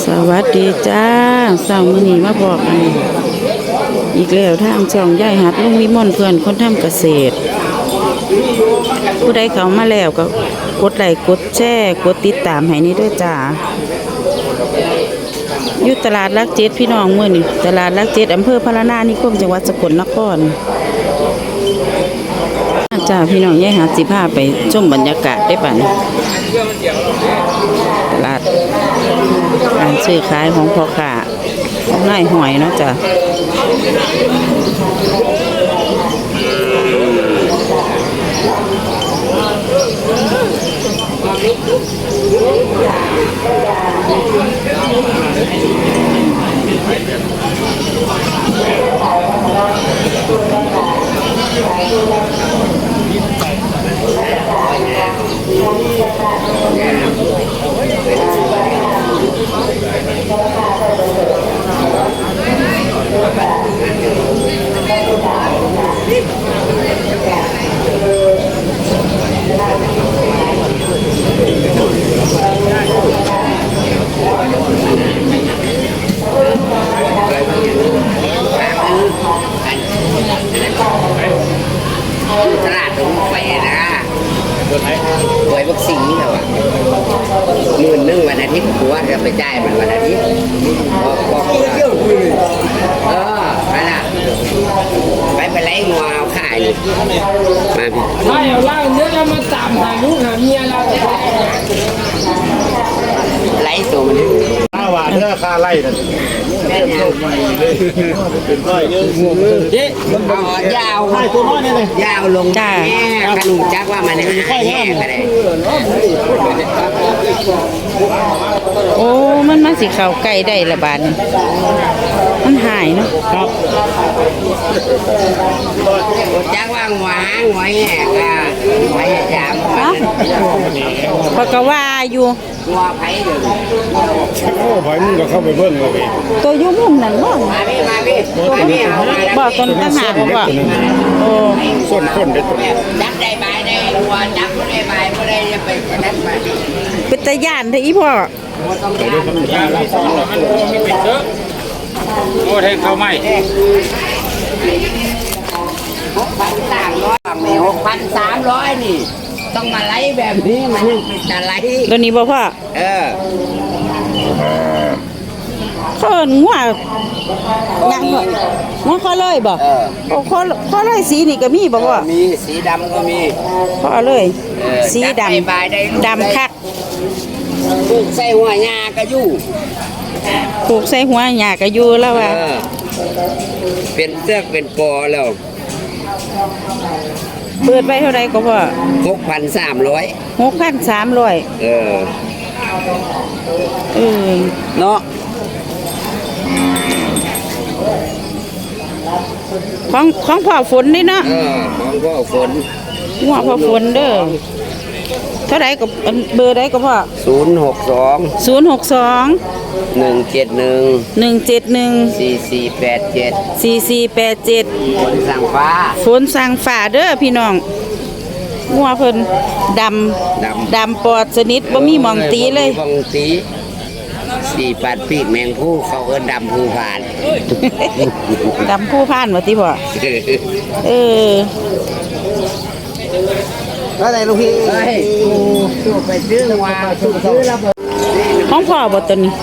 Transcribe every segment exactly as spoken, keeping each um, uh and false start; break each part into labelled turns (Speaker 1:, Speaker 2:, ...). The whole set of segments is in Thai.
Speaker 1: สวัสดีจ้าสาวมื้อนี้มาบอกกันอีกแล้วทางช่องยายหัดลุงวิมลเพื่อนคนทำเกษตรผู้ใดเข้ามาแล้วก็กดไลค์กดแชร์กดติดตามให้นี่ด้วยจ้าอยู่ตลาดลักเจ็ดพี่น้องมื้อนี้ตลาดลักเจ็ดอำเภอพะละนานิคมจังหวัดสกลนครจ้าพี่น้องยายหัดสิพาไปชมบรรยากาศได้ป่ะนี่ตลาดการซื้อขายของพ่อค้าของนายหอยเนาะจ้ะ
Speaker 2: ตลาดตรงไปนะหวยบักสิงเหรอหมื่นหนึ่งวันอาทิตย์หัวจะไปจ่ายมันวันอาทิตย์บอกบอกเออไปละไปไปไล่งัวเอาขายมาพี่
Speaker 3: ถ้าอย่างว่าเนื้อจะมาตามหาลูกหาเมียเรา
Speaker 2: ไล่ตัวมัน
Speaker 4: ข้าวหวานเนื้อข้าไล่กันเป็นก้อยเยอะงงเจ๊
Speaker 2: เอายาว
Speaker 4: ไล่ตัวน้อยนี่เลย
Speaker 2: ยาวลงแง่ขนมจักว่ามันหายแง่ไปเลย
Speaker 1: โอ้มันมาสิเข้าใกล้ได้ละบาดนี่มันหายเนาะ
Speaker 4: ครับ
Speaker 2: จักว่าหัวหางหัวแง่ก็หัวแง่ยาม
Speaker 1: ฮะพอกะว่าอยู่
Speaker 2: หัวไผ่เดือด
Speaker 4: โอ้ไผ่มึงก็เข้าไปเบิ้งเลย
Speaker 1: ตัวยุ่งมุมนั่นบ่
Speaker 2: มาพี่มาพี่มาพี่เอามาแล้ว
Speaker 1: บ่ต้นตั้งหากบ่โอ้
Speaker 4: ส้นข้นได้ตัว
Speaker 2: จับได้ใบได้หัวจับไม่ได้ใบไม่ได้จะไปนั่นไป
Speaker 1: เป็นตาย่านเด้ออีพ่อ
Speaker 4: โอ้แทงเข้าไม่
Speaker 2: หกพันสามร้อยนี่หกพันสามร้อยนี่ต้องมาไล่แบบนี้มันยังเป็นจะไล่
Speaker 1: ตัวนี้บ่พ่อ
Speaker 2: เออ
Speaker 1: เขางัวยังงัวเขาเลยบ่โอ้เขาเขาเลยสีนี่ก็มีบ่พ่อ
Speaker 2: มีสีดำก็มี
Speaker 1: เขาเลยสีดำดำคัก
Speaker 2: ปลูกใส่หัวหญ้าก็อยู่
Speaker 1: ปลูกใส่หัวหญ้าก็อยู่แล้วว่า
Speaker 2: เป็นเสือกเป็นปอแล้ว
Speaker 1: เปิดไปเท่าไรก็พ่อ
Speaker 2: หกพันสามร้อย
Speaker 1: หกพันสามร้อย
Speaker 2: เออ
Speaker 1: เออ
Speaker 2: เนาะ
Speaker 1: ของของพ่อฝนนี่เนาะ
Speaker 2: เออของพ่อฝน
Speaker 1: หัวพ่อฝนเด้อเท่าไรก็เบอร์ใดก็พ่อ
Speaker 2: ศูนย์หกสอง
Speaker 1: ศูนย์หกสอง
Speaker 2: หนึ่งเจ็ดหนึ่ง
Speaker 1: หนึ่งเจ็ดหนึ่ง
Speaker 2: สี่สี่แปดเจ็ด
Speaker 1: สี่สี่แปดเจ็ด
Speaker 2: ฝนสั่งฟ้า
Speaker 1: ฝนสั่งฟ้าเด้อพี่น้องหัวเพิ่นดำ
Speaker 2: ดำ
Speaker 1: ดำปอดสนิทบ่มีมองตีเลย
Speaker 2: มองตีสี่ปัดปีกแมงผู้เขาเอิ้นดำผู้ผ่าน
Speaker 1: ดำผู้ผ่านว่าติพ่อเออ
Speaker 2: อะไรลูกพี่เฮ้ยสู้ไปซื้อว่าสู้ซื้อแล้ว
Speaker 1: ของพ่อบ่ตัวนี้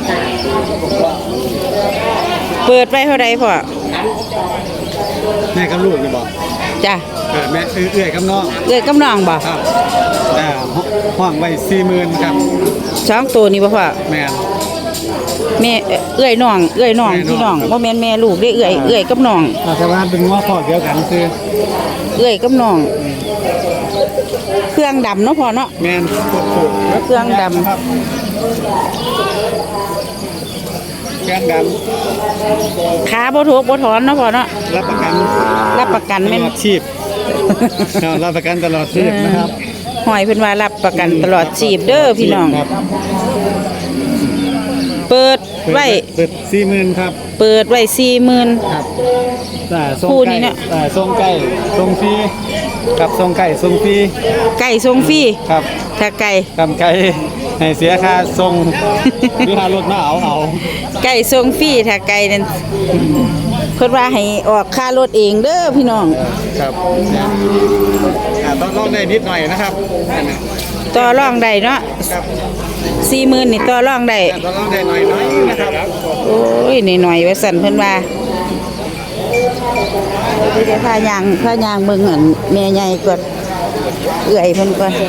Speaker 1: เปิดไปเท่าไรพ่อ
Speaker 4: แม่กับลูกนี่บอก
Speaker 1: จ้ะ
Speaker 4: เออแม่เอื้อยกับน้อง
Speaker 1: เอื้อยกับน้องบ่
Speaker 4: ครับอ่าห้องไว้สี่หมื่นครับ
Speaker 1: สองตัวนี้บ่พ่อ
Speaker 4: แม่
Speaker 1: แม่เอื้อยน้องเอื้อยน้องพี่น้องบ่แม่นแม่ลูกได้เอื้อยเอื้อยกับน้อง
Speaker 4: แต่ว่าเป็นว่าพ่อเดียวกันคือ
Speaker 1: เอื้อยกับน้องเครื่องดำเนาะพ่อเนาะ
Speaker 4: แม่น
Speaker 1: เครื่องดำ
Speaker 4: เครื่องด
Speaker 1: ำขาบ่ทุกบ่ถอนเนาะพ่อเนาะ
Speaker 4: รับประกัน
Speaker 1: รับประกันแม่น
Speaker 4: ชีพรับประกันตลอดชีพนะครับ
Speaker 1: หอยเพิ่นว่ารับประกันตลอดชีพเด้อพี่น้องเปิดไว้
Speaker 4: เปิดสี่หมื่นครับ
Speaker 1: เปิดไว้สี่หมื่น
Speaker 4: ครับอ่าทรง
Speaker 1: คู่
Speaker 4: ไก่
Speaker 1: นี้เนี่ย
Speaker 4: อ่าทรงไก่ทรงฟรีกับทรงไก่ทรงฟรี
Speaker 1: ไก่ทรงฟรี
Speaker 4: ครับ
Speaker 1: ถ้าไก่
Speaker 4: กำไก่ให้เสียค่าทรงหรือค่ารถมาเอาเอา
Speaker 1: ไก่ทรงฟรีถ้าไก่นั่นเพิ่นว่าให้ออกค่ารถเองเด้อพี่น้อง
Speaker 4: ครับอ่าต้องลองได้นิดหน่อยนะครับ
Speaker 1: ต่อรองได้เนาะ
Speaker 4: ครับ
Speaker 1: สี่หมื่นนี่ต่อรองได้
Speaker 4: ต้องลองได้หน่อยหน่อยนะครับ
Speaker 1: โอ้ยหน่อยๆว่าสั่นเพิ่นว่าเดี๋ยวพายางพายางเบิ่งหั่นแม่ใหญ่ก่อนเอื้อยเพิ่นก่อน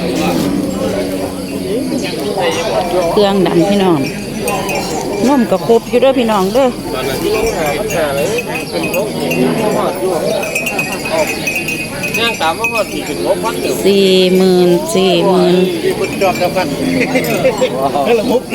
Speaker 1: เครื่องดำพี่น้องนมก็ครบอยู่เด้อพี่น้องเด้อ
Speaker 3: ย่างตามมาหมดสี่ถึงหกพันเดียว
Speaker 1: สี่หมื่นสี่หมื่น
Speaker 4: คุณจอดกับกันก็ละมุก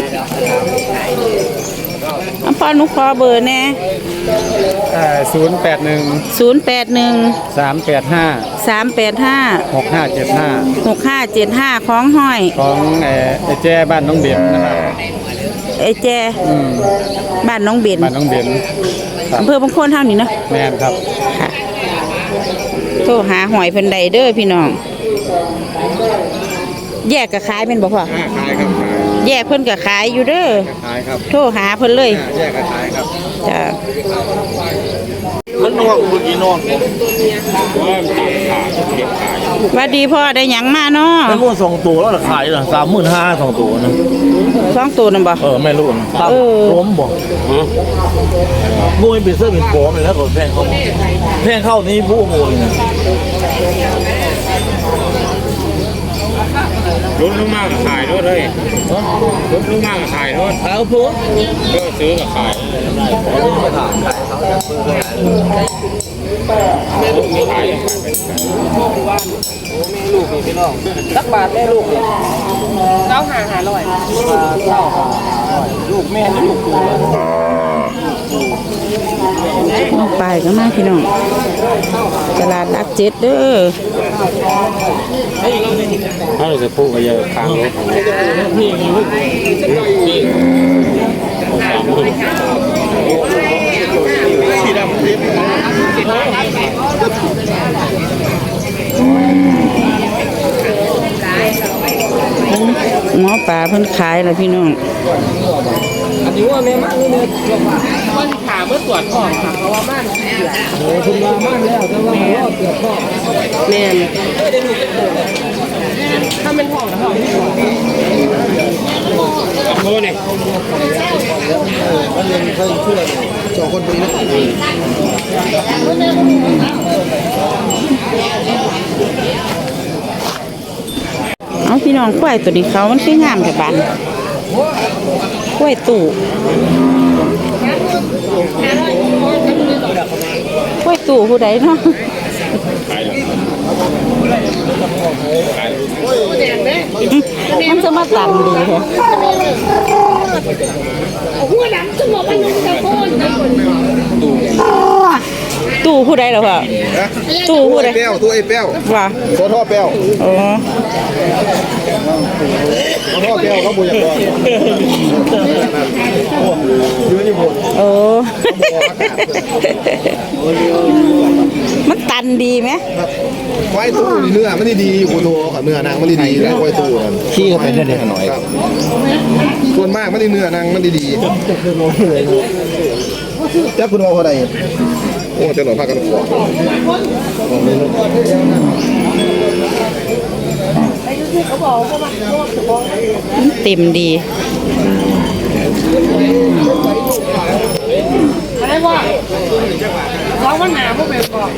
Speaker 1: อันพ่อหนุขอเบอร์แน่
Speaker 4: อ่าศูนย์แปดหนึ่ง
Speaker 1: ศูนย์แปดหนึ่ง
Speaker 4: สามแปดห้า
Speaker 1: สามแปดห้า
Speaker 4: หกห้าเจ็ดห้า
Speaker 1: หกห้าเจ็ดห้าของห้อย
Speaker 4: ของเอ่อไอ้แจ้บ้านน้องเบียนนะครับ
Speaker 1: ไอ้แจ
Speaker 4: อืม
Speaker 1: บ้านน้องเบน
Speaker 4: บ้านน้องเบียนครับ
Speaker 1: อำเภอบางโคนเท่านี้เนาะ
Speaker 4: แม่นครับ
Speaker 1: ค่ะโทรหาหอยเพิ่นใดเด้อพี่น้อง แยกกับขายเป็นบ่พ่อ
Speaker 4: อ่าขายครับขาย
Speaker 1: แยกเพิ่นกับขายอยู่เด้อ
Speaker 4: ขายครับ
Speaker 1: โทรหาเพิ่นเลย
Speaker 4: อ่าแยกกันขายครับ
Speaker 1: จ้ะ
Speaker 4: มันนอกเมื่อกี้นอก
Speaker 1: หวัดดีพ่อได้หยังมาเนาะ
Speaker 5: แม่ลูกสองตัวแล้วขายเหรอสามหมื่นห้าสองตัวนะ
Speaker 1: สองตัวนั่นบ่
Speaker 5: เออแม่ลูกครับ
Speaker 1: เออ
Speaker 5: ล้มบอกงูเป็นเสื้อเป็นโป๊เลยแล้วก็แพงเข้าแพงเข้านี่ผู้งูเลยนะ
Speaker 3: ลุ้นลูกมากขายรถเลยลุ้นลูกมากขายรถ
Speaker 5: เอาผู้
Speaker 3: ก็ซื้อกับขายขาย
Speaker 5: สักบาทแม่ลูกเนี่ย
Speaker 1: ไปก็มาพี่น้องตลาดรักเจ็ดเด้อ
Speaker 3: ถ้าเราจะพูดก็จะค้างรถพี่ลูกพี่
Speaker 4: สีดำเรียบ
Speaker 1: หมอปลาเพิ่นขายแล้วพี่น้อง
Speaker 3: อันนี้ว่าแม่มากเลยเนี่ยมันขาเมื่อตรวจก่อนค่ะเพราะว่ามันโอ้คุณมาม่านแล้วแต่ว่ามันรอดเกือบพ่อแม่ถ้าเป็นห้องนะห้องโอ้เนี่ย
Speaker 4: สองคนนี้นะ
Speaker 1: เอาพี่น้องควายตัวนี้เขามันคืองามแต่บานควายตู่ควายตู่ผู้ใดเนาะมันจะมาตันดีเหรอตู่ผู้ใดเหรอพ่อตู่ผู้ใด
Speaker 4: เป้วตัวไอ้เป้ว
Speaker 1: ว่า
Speaker 4: ตัวท่อเป้ว
Speaker 1: อ๋อ
Speaker 4: ตัวท่อเป้วเขาบุญอย่างก่อนยืนอยู่บน
Speaker 1: โอ้ มันตันดีไหม
Speaker 6: ไว้ตู้นี่เนื้อมันดีๆอยู่ตัวกับเนื้อนางมันดีๆแล้วไว้ตู้นั่น
Speaker 5: ขี้ก็เป็นได้หน่อย
Speaker 6: ครับส่วนมากมันดีเนื้อนางมันดีๆจับคุณว่าพอใดโอ้จะหน่อยพากันขวบ
Speaker 1: มันเต็มดี
Speaker 3: อะไรวะร้องมันหนาพวกเป็นก่อน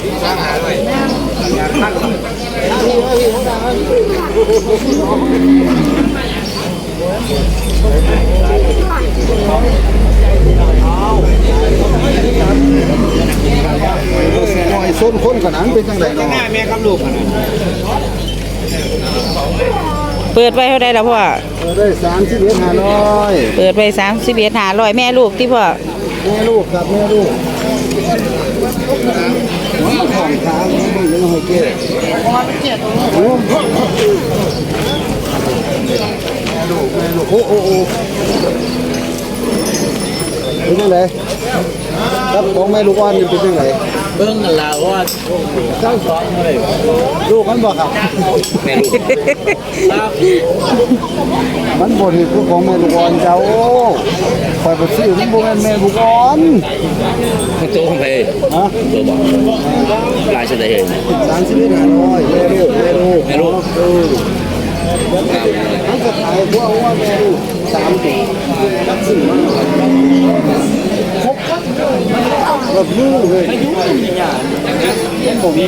Speaker 6: หน่อยส้นคนขนาดเป็นจังไดเนาะ
Speaker 4: แม่กับลูกนะ
Speaker 1: เปิดไว้เท่าใดแล้วพ่อ
Speaker 6: ได้สามสิบเอ็ดห้าร้อย
Speaker 1: เปิดไว้สามสิบเอ็ดหาร้อยแม่ลูกที่พ่อ
Speaker 6: แม่ลูกครับแม่ลูกของค้างมึงยังให้เก็บโอ้โอ้โอ้โอ้เป็นยังไงครับของแม่ลูกอ่อนนี่เป็นยังไง
Speaker 5: เบิ่งกันแล้วว่าเจ้าสองเลย
Speaker 6: ลูกมันบอกครับ
Speaker 2: แม่ลูก
Speaker 5: ครับ
Speaker 6: มันบ่ที่คือของแม่ลูกอ่อนเจ้าคอยไปซื้อมันบ่แม่นแม่ลูกอ่อน
Speaker 2: ตัวของเพย์
Speaker 6: ฮะ
Speaker 2: ตัวบอกลายเฉลย
Speaker 6: สามสิบเอ็ดห้าร้อยแม่ลูกแม่ลูก
Speaker 2: แม่ลูก
Speaker 6: เออมันก็ขายพวกว่าแม่ลูกสามตัวจักซื้อมาครบแบบมือเลยบ่มี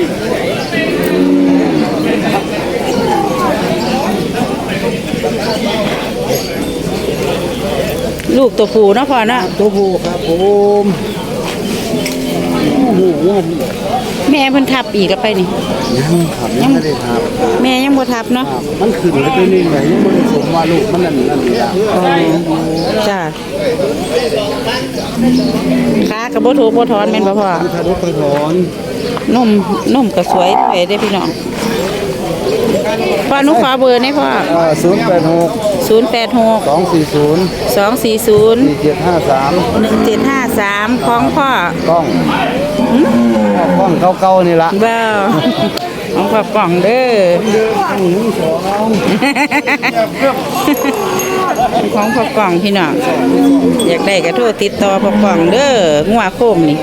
Speaker 1: ลูกตัวผู้เนาะพ่อเนาะ
Speaker 6: ตัวผู้ครับผมโอ้โห
Speaker 1: แม่เพิ่นทับอีกแล้วไปนี่
Speaker 6: ยังครับยังไม่ได้ทับ
Speaker 1: แม่ยังบ่ทับเนาะ
Speaker 6: ครับมันขึ้นไปตัวนี้ไงยังไม่ได้สมว่าลูกมันนั่นนั่นนี่ละ
Speaker 1: อ๋อจ้าขากับบ่ถูกบ่ถอนแม่นบ่พ่อ
Speaker 6: ถ้ารถไปถอน
Speaker 1: นมนมก็สวยด้วยเด้พี่น้องพ่อหนูขอเบอร์หน่อยพ่อ
Speaker 6: อ่าศูนย์แปดหก
Speaker 1: ศูนย์แปดหก
Speaker 6: สองสี่ศูนย์
Speaker 1: สองสี่ศูนย์
Speaker 6: สี่เจ็ดห้าสาม
Speaker 1: หนึ่งเจ็ดห้าสามของพ่อก
Speaker 6: ล้องกล้องเก่าๆนี่ละ
Speaker 1: เบ้าของพ่อกล่องเด้อ
Speaker 6: หนึ่งสอง
Speaker 1: ของพ่อกล่องพี่น้องอยากได้ก็โทรติดต่อพ่อกล่องเด้องัวโคมนี่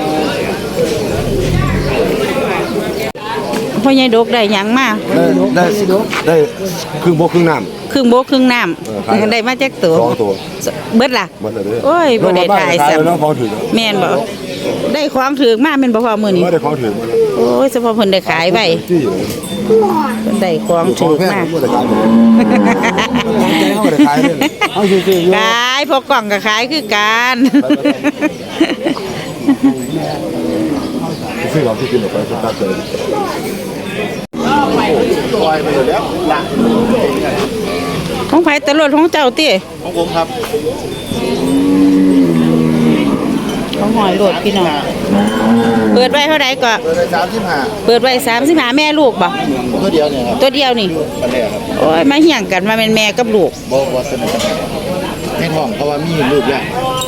Speaker 1: พ่อใหญ่ดกได้หยังมา
Speaker 6: ได้ได้ครึ่งโบกครึ่งน้
Speaker 1: ครึ่งโบกครึ่งน้ำได้มาจากตัว
Speaker 6: สองตัว
Speaker 1: เบิดล่ะ
Speaker 6: ำมันเลย
Speaker 1: โอ้ยบ่ได้ถ่ายซ้
Speaker 6: น้องของถือ
Speaker 1: ำแม่นบ่ได้ของถือมาแม่นบ่พอมื้อนี้
Speaker 6: ไม่ได้ของถือมา
Speaker 1: โอ้ยเฉพาะเพิ่นได้ขายไว้
Speaker 6: ที่
Speaker 1: เพิ่นได้ของถือ
Speaker 6: แพง
Speaker 1: มา
Speaker 6: ไม่ได้ขายเลยใจเขาไม่ได้ขายเลยเอาซื้อๆอยู่
Speaker 1: ขายพวกกล่องก็ขายคือกัน
Speaker 6: ซื้อของที่กินออกไปสุดท้ายเลยปล่อยไปแล้วละ
Speaker 1: ของไผตลอดของเจ้าติ
Speaker 6: ของผมครับ
Speaker 1: ของหอยโลดพี่น้องเปิดไว้เท่าใดก็
Speaker 6: เปิดไปสามสิบห้า
Speaker 1: เปิดไว้สามสิบห้าแม่ลูกบ่
Speaker 6: ตัวเดียวเนี่ยครับ
Speaker 1: ตัวเดียวนี่
Speaker 6: ปันแรกครับ
Speaker 1: โอ้ยมาเหี่ยงกันมาเป็นแม่กับลูก
Speaker 6: บอกว่าสนิทกันให้ท้องเพราะว่ามีลูกแล้ว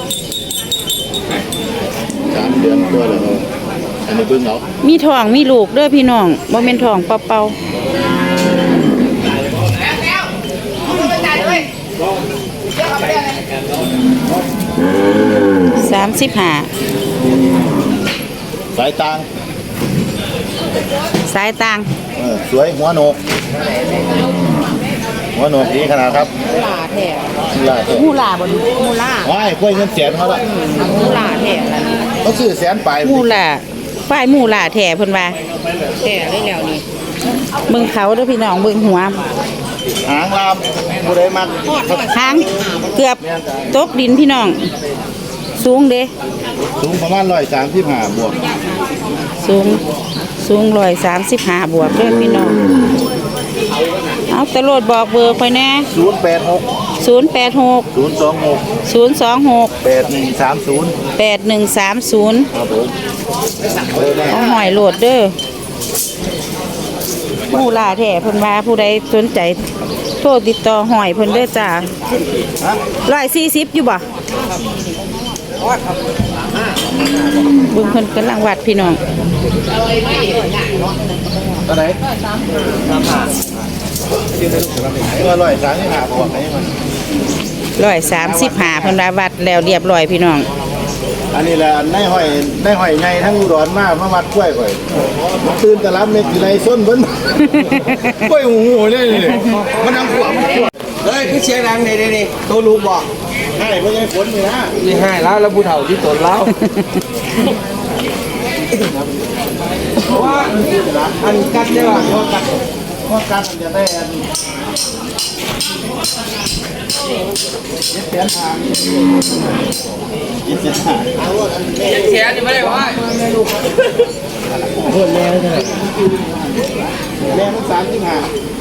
Speaker 6: สามเดือนตัวแล้วอันนี้เบิ่งเอา
Speaker 1: มีท้องมีลูกเด้อพี่น้องบ่แม่นท้องเปล่าๆสามสิบห้า
Speaker 6: สายตาง
Speaker 1: สายต่าง
Speaker 6: เออสวยหัวโหนกหัวโหนกดีขนาดครับ
Speaker 1: ลาแท้
Speaker 6: ลาเถอะ
Speaker 1: มูลาบ่มูลา
Speaker 6: ว้ายกล้วยเงินแสนเขาละ
Speaker 1: มูลาแท้ล่ะ
Speaker 6: เขาซื้อแสนไป
Speaker 1: มูลาฝ่ายมูลาแท้เพิ่นว่าแท้ได้แล้วนี่เบิ่งเขาเด้อพี่น้องเบิ่งหัว
Speaker 6: หางลามผู้ใดมัก
Speaker 1: หางเกือบตกดินพี่น้อง สูงเด้
Speaker 6: สูงประมาณร้อยสามสิบห้าบวก
Speaker 1: สูงสูงร้อยสามสิบห้าบวกเด้อพี่น้องเอาตะโลดบอกเบอร์ไปแน่
Speaker 6: ศูนย์แปดหก
Speaker 1: ศูนย์แปดหก
Speaker 6: ศูนย์สองหก
Speaker 1: ศูนย์สองหก
Speaker 6: แปดหนึ่งสามศูนย์
Speaker 1: แปดหนึ่งสามศูนย์
Speaker 6: ครับผมเออได้
Speaker 1: เอาหอยโหลดเด้อผู้ล่าแท้เพิ่นว่าผู้ใดสนใจโทรติดต่อหอยเพิ่นเด้อจ้าร้อยสี่สิบอยู่บ่เบิ่งเพิ่นกำลังวัดพี่น้อง
Speaker 6: ตัวไหนสามห้าว่าร้อยสามสิบห้าบวกไหนมัน
Speaker 1: ร้อยสามสิบห้าเพิ่นว่าวัดแล้วเรียบร้อยพี่น้อง
Speaker 6: อันนี้แหละในห้อยในห้อยไงทั้งอุดรมากมาวัดกล้วยก่อยตื่นแต่รับเม็ดกี่ไรส้นเพิ่นกล้วยหูหูเนี่ยมันนั่งขวบ
Speaker 3: เฮ้ยคือเสียงดังนี่นี่ตัวลูกบอก
Speaker 6: ให้เพิ่นยังฝนอยู่นะ
Speaker 3: นี่ให้แล้วแล้วผู้เฒ่าที่ตนแล้วว่าอันกัดได้ป่ะว่ากัด
Speaker 6: เพราะการจะได้อันเจ็ดแสนทางเจ็ดแสนทาง
Speaker 3: เสียนี่ไม่ได้ว่า
Speaker 6: แม่มันสามสิบห้า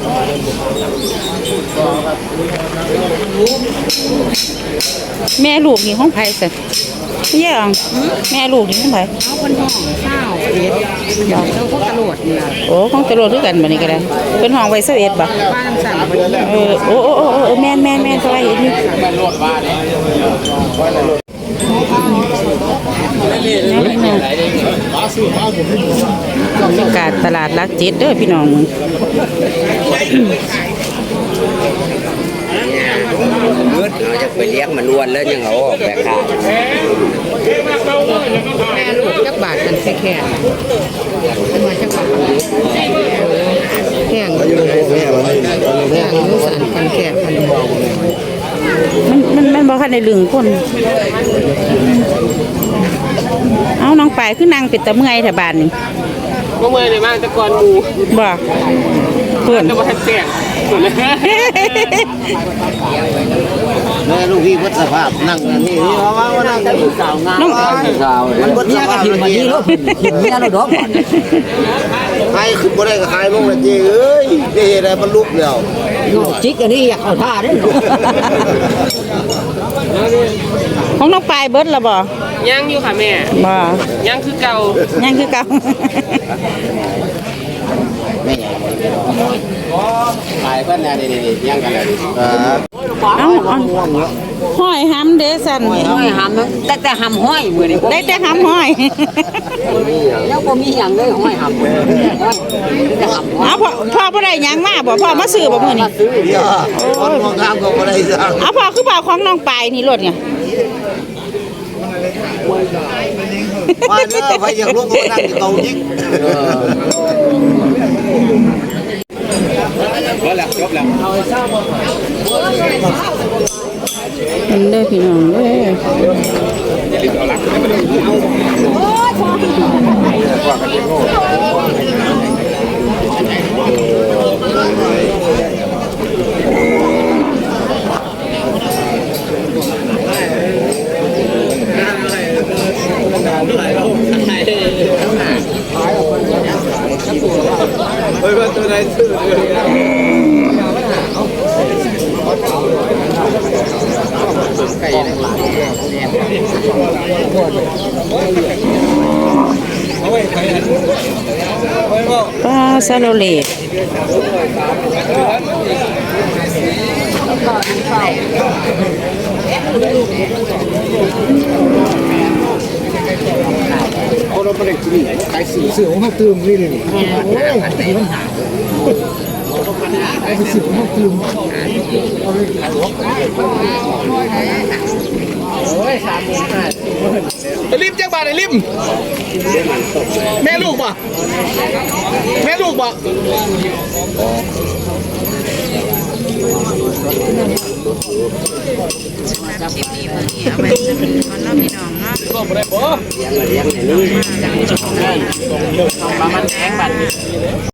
Speaker 1: แม่ลูกนี่ของไผสิเยี่ยงแม่ลูกนี่ของไผ
Speaker 7: เอาคนห้องเศร้าเอ็ดเราก็กระโดดนี่ล่ะ
Speaker 1: โอ้ของตะโลดคือกันบัดนี้ก็ได้เพิ่นห้องไว้เสิบเอ็ดบ่
Speaker 7: บ้านสั่งมาดี
Speaker 1: เออโอ้โอ้โอ้โอ้แม่นแม่นแม่นสบายเห็นอยู่
Speaker 6: มันรถบ้านเนี่ย
Speaker 1: บรรยากาศตลาดรักเจ็ดเด้อพี่น้อง
Speaker 2: เลือดเราจะไปเลี้ยงมันล้วนแล้วยังเอาออกแบบขาด
Speaker 7: แม่ลูกจักบาทกันแค่แค่เป็นมาจักบาทแห้งอยู่แห้งอยู่สันกันแค่พัน
Speaker 1: มันมันมันบ่คันได้ลึงคนเอาน้องปลายคือนางเป็ดตะเมื่อยแถวบ้านนี่
Speaker 3: เมื่อเมื่อในบ้านตะกอนหมู
Speaker 1: บ่เพิ่น
Speaker 3: จะมาทันแจ้งหมดเลย
Speaker 6: แม่ลูกพี่วัดสภาพนั่งนี่นี่ว่าว่านั่งกันสาวงาม
Speaker 1: น้อง
Speaker 6: สาวมันวัดสภาพมันดีเนาะเห็นเมียเราดอกใครขึ้นบ่ได้ก็ใครลงละเจ้เอ้ยได้เฮ็ดอะไรมันลุกแล้วจิกอันนี้อยากเข้าท่าเด้
Speaker 1: ของน้องปลายเบิดละบ่
Speaker 3: ยังอยู่ค่ะแม่
Speaker 1: บ่
Speaker 3: ยังคือเก่า
Speaker 1: ยังคือเก่า
Speaker 2: ขายก็เนี่ยนี่ๆย่างกันเลย
Speaker 1: เอาเอาห้อยหำเด้สัน
Speaker 7: ห้อยหำแต่แต่หำห้อยมือนี่
Speaker 1: ได้แต่หำห้อย
Speaker 7: แล้วก็มีอย่างเลยห้อยหำแต่หำ
Speaker 1: เอาพ่อพ่อบ่ได้หยังมาบ่พ่อมาซื้อบ่มื้อนี้
Speaker 6: เดี๋ยวคนมองข้ามก็บ่ได้สั่ง
Speaker 1: เอาพ่อคือพ่อของน้องปลายนี่รถเนี่ย
Speaker 6: มาเด้อไปอยากลุกก็นั่งอยู่เตาจิก
Speaker 1: เป็นเด้อพี่น้องเด้อปลาซาโลเลต
Speaker 4: ริมจักบาทไอ้ริมแม่ลูกป่ะแม่ลูกป่ะ
Speaker 1: เอาไปจะเป็นคนเนาะพี่น้องเนาะ
Speaker 2: เลี้ยงเลี้ยงในนี้